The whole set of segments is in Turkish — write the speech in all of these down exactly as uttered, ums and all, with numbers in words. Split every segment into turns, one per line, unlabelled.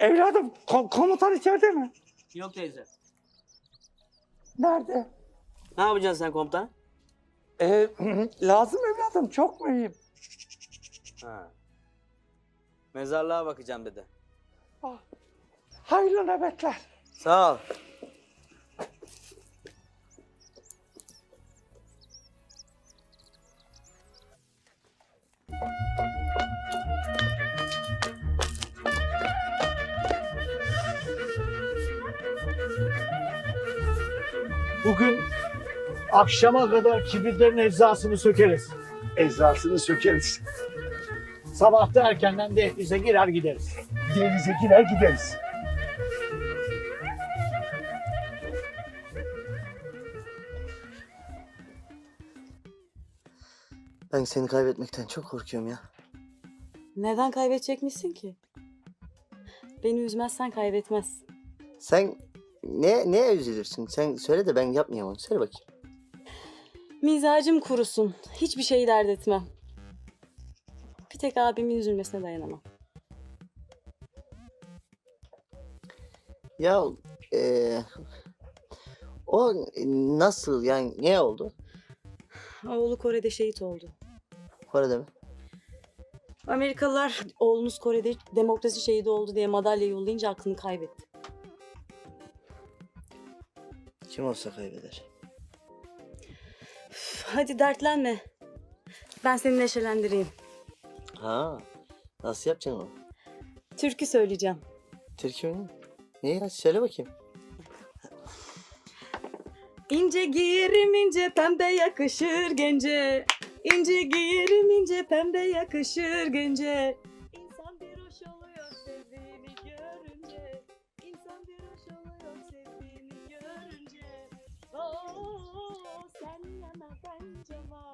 Evladım ko- komutan içeride mi?
Yok teyze.
Nerede?
Ne yapacaksın sen komutan?
Ee, lazım evladım, çok mühim.
Ha. Mezarlığa bakacağım dedi.
Ah, hayırlı nöbetler.
Sağ ol.
Bugün akşama kadar kibritlerin eczasını sökeriz.
Eczasını sökeriz.
Sabah da erkenden dehlize girer gideriz.
Denize girer gideriz.
Ben seni kaybetmekten çok korkuyorum ya.
Neden kaybedecekmişsin ki? Beni üzmezsen kaybetmez.
Sen ne neye üzülürsün? Sen söyle de ben yapmayayım onu. Söyle bakayım.
Mizacım kurusun. Hiçbir şeyi dert etmem. Bir tek abimin üzülmesine dayanamam.
Ya eee, o nasıl yani ne oldu?
Oğlu Kore'de şehit oldu.
Kore'de mi?
Amerikalılar oğlunuz Kore'de demokrasi şehidi oldu diye madalya yollayınca aklını kaybetti.
Kim olsa kaybeder.
Üf, hadi dertlenme. Ben seni neşelendireyim.
Ha, nasıl yapacaksın onu?
Türkü söyleyeceğim.
Türkiye mi? Ne ya? Söyle bakayım.
İnce giyerim ince pembe yakışır gence. İnce giyerim ince pembe yakışır gence. İnsan bir hoş oluyor sevdiğini görünce. İnsan bir hoş oluyor sevdiğini görünce. Oo sen yana ben cama.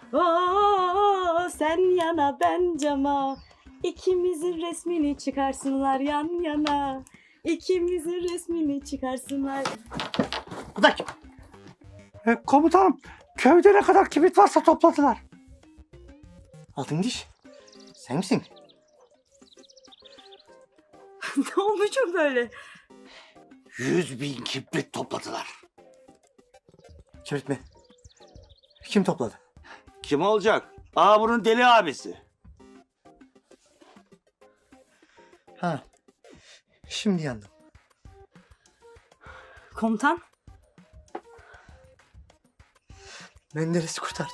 Oo sen yana ben cama. İkimizin resmini çıkarsınlar yan yana. İkimizin resmini çıkarsınlar.
Bu da kim?
Ee, komutanım, köyde ne kadar kibrit varsa topladılar.
Altın diş. Sen misin?
Ne olmuşum böyle?
Yüz bin kibrit topladılar.
Kibrit mi? Kim topladı?
Kim olacak? Aa bunun deli abisi.
Ha. Şimdi yandım.
Komutan?
Menderes'i kurtaracak.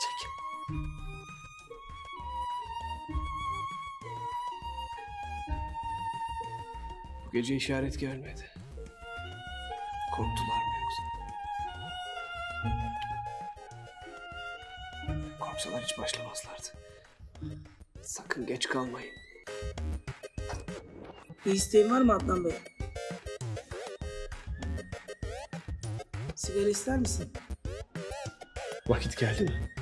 Bu gece işaret gelmedi. Korktular mı yoksa? Korksalar hiç başlamazlardı. Sakın geç kalmayın.
Bir isteğin var mı Adnan Bey? Sigara ister misin?
Vakit geldi mi?